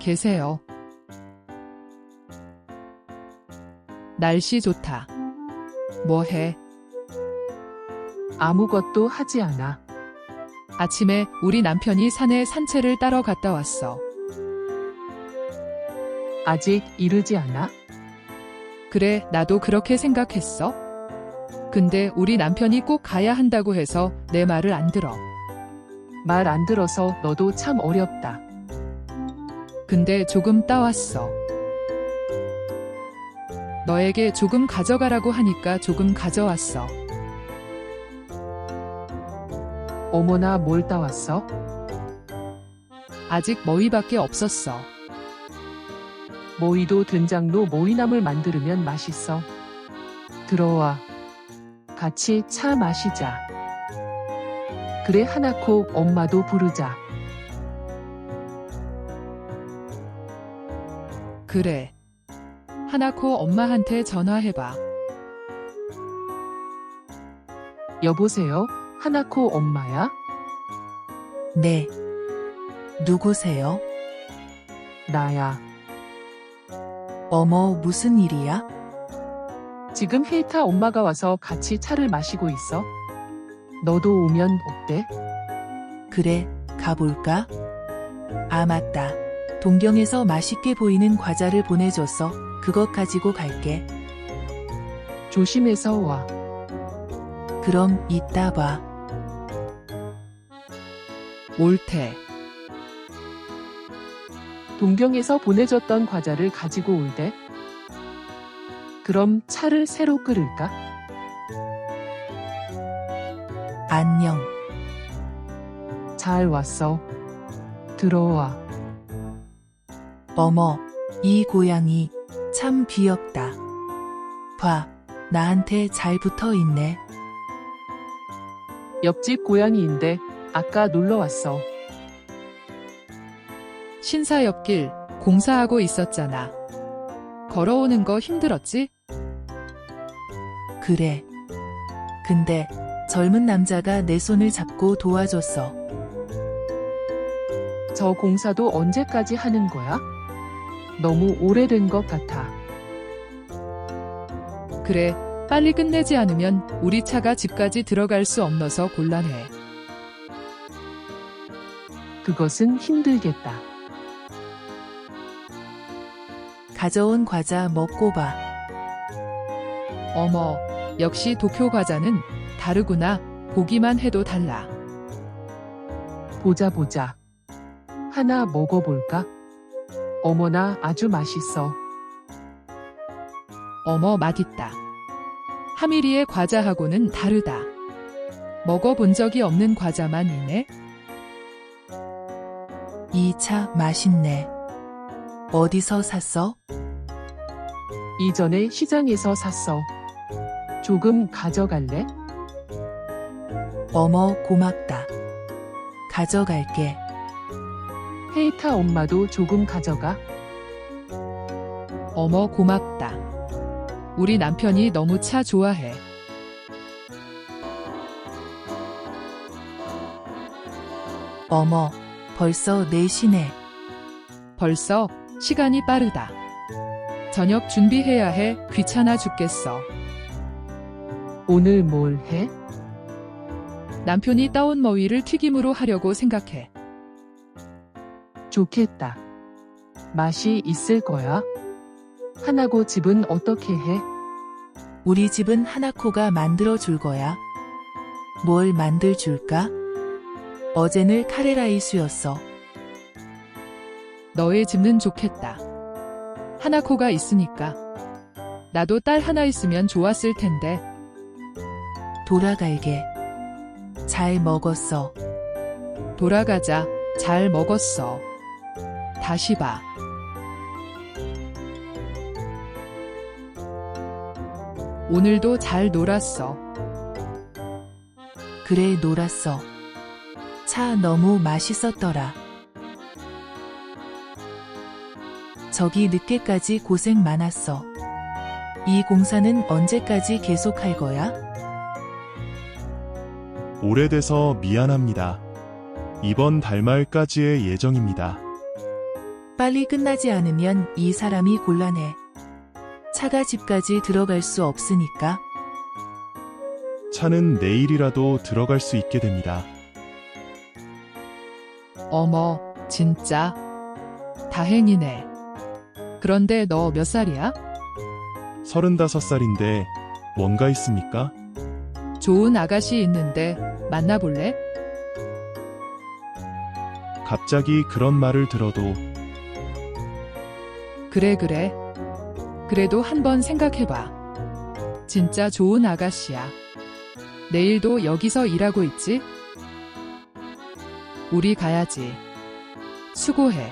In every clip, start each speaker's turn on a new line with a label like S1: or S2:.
S1: 계세요. 날씨 좋다. 뭐 해?
S2: 아무것도 하지 않아.
S1: 아침에 우리 남편이 산에 산책을 따러 갔다 왔어.
S2: 아직 이르지 않아?
S1: 그래, 나도 그렇게 생각했어. 근데 우리 남편이 꼭 가야 한다고 해서 내 말을 안 들어.
S2: 말 안 들어서 너도 참 어렵다.
S1: 근데 조금 따왔어. 너에게 조금 가져가라고 하니까 조금 가져왔어.
S2: 어머나 뭘 따왔어?
S1: 아직 머위밖에 없었어.
S2: 모이도 된장로 모이나물 만들면 맛있어. 들어와. 같이 차 마시자. 그래 하나코 엄마도 부르자.
S1: 그래. 하나코 엄마한테 전화해봐.
S2: 여보세요? 하나코 엄마야?
S3: 네. 누구세요?
S2: 나야.
S3: 어머, 무슨 일이야?
S2: 지금 힐타 엄마가 와서 같이 차를 마시고 있어. 너도 오면 어때?
S3: 그래, 가볼까? 아, 맞다. 동경에서 맛있게 보이는 과자를 보내줬어. 그것 가지고 갈게.
S2: 조심해서 와.
S3: 그럼 이따 봐.
S1: 옳대.
S2: 동경에서 보내줬던 과자를 가지고 올대. 그럼 차를 새로 끓일까?
S3: 안녕.
S2: 잘 왔어. 들어와.
S3: 어머, 이 고양이 참 귀엽다. 봐, 나한테 잘 붙어 있네.
S2: 옆집 고양이인데 아까 놀러 왔어.
S1: 신사 옆길 공사하고 있었잖아. 걸어오는 거 힘들었지?
S3: 그래. 근데 젊은 남자가 내 손을 잡고 도와줬어.
S2: 저 공사도 언제까지 하는 거야? 너무 오래된 것 같아.
S1: 그래, 빨리 끝내지 않으면 우리 차가 집까지 들어갈 수 없어서 곤란해.
S2: 그것은 힘들겠다.
S3: 가져온 과자 먹고 봐.
S1: 어머, 역시 도쿄 과자는 다르구나. 보기만 해도 달라.
S2: 보자 보자. 하나 먹어볼까? 어머나 아주 맛있어.
S1: 어머, 맛있다. 하미리의 과자하고는 다르다. 먹어본 적이 없는 과자만 있네.
S3: 이 차 맛있네. 어디서 샀어?
S2: 이전에 시장에서 샀어. 조금 가져갈래?
S3: 어머, 고맙다. 가져갈게.
S2: 헤이타 엄마도 조금 가져가.
S1: 어머, 고맙다. 우리 남편이 너무 차 좋아해.
S3: 어머, 벌써 4시네.
S1: 벌써 시간이 빠르다. 저녁 준비해야 해. 귀찮아 죽겠어.
S2: 오늘 뭘 해?
S1: 남편이 따온 머위를 튀김으로 하려고 생각해.
S2: 좋겠다. 맛이 있을 거야. 하나고 집은 어떻게 해?
S3: 우리 집은 하나코가 만들어 줄 거야. 뭘 만들 줄까? 어제는 카레라이스였어.
S1: 너의 집은 좋겠다. 하나코가 있으니까. 나도 딸 하나 있으면 좋았을 텐데.
S3: 돌아갈게. 잘 먹었어.
S1: 돌아가자. 잘 먹었어. 다시 봐. 오늘도 잘 놀았어.
S3: 그래, 놀았어. 차 너무 맛있었더라. 저기 늦게까지 고생 많았어. 이 공사는 언제까지 계속할 거야?
S4: 오래돼서 미안합니다. 이번 달 말까지의 예정입니다.
S3: 빨리 끝나지 않으면 이 사람이 곤란해. 차가 집까지 들어갈 수 없으니까.
S4: 차는 내일이라도 들어갈 수 있게 됩니다.
S1: 어머, 진짜. 다행이네. 그런데 너 몇 살이야?
S4: 35살인데 뭔가 있습니까?
S1: 좋은 아가씨 있는데 만나볼래?
S4: 갑자기 그런 말을 들어도
S1: 그래. 그래도 한번 생각해봐. 진짜 좋은 아가씨야. 내일도 여기서 일하고 있지? 우리 가야지. 수고해.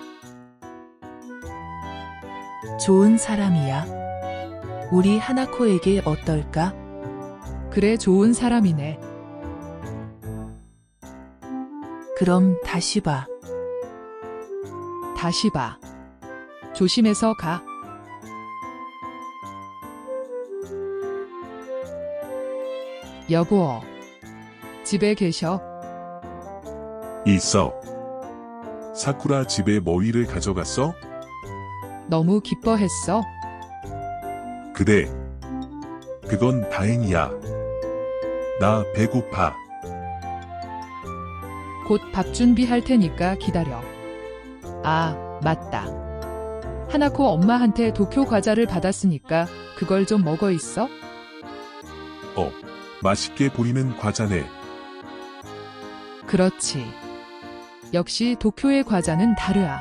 S3: 좋은 사람이야. 우리 하나코에게 어떨까?
S1: 그래, 좋은 사람이네.
S3: 그럼 다시 봐.
S1: 다시 봐. 조심해서 가. 여보, 집에 계셔?
S5: 있어. 사쿠라 집에 머위를 가져갔어?
S1: 너무 기뻐했어?
S5: 그래. 그건 다행이야. 나 배고파.
S1: 곧 밥 준비할 테니까 기다려. 아, 맞다. 하나코 엄마한테 도쿄 과자를 받았으니까 그걸 좀 먹어 있어?
S5: 맛있게 보이는 과자네.
S1: 그렇지. 역시 도쿄의 과자는 다르아.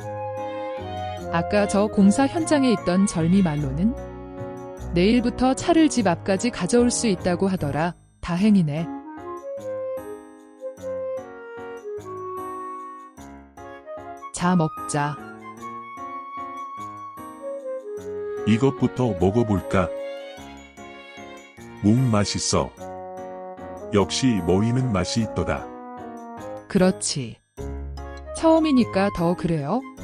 S1: 아까 저 공사 현장에 있던 절미 말로는 내일부터 차를 집 앞까지 가져올 수 있다고 하더라. 다행이네. 자, 먹자.
S5: 이것부터 먹어볼까? 맛있어. 역시 머위는 맛이 있더라.
S1: 그렇지. 처음이니까 더 그래요?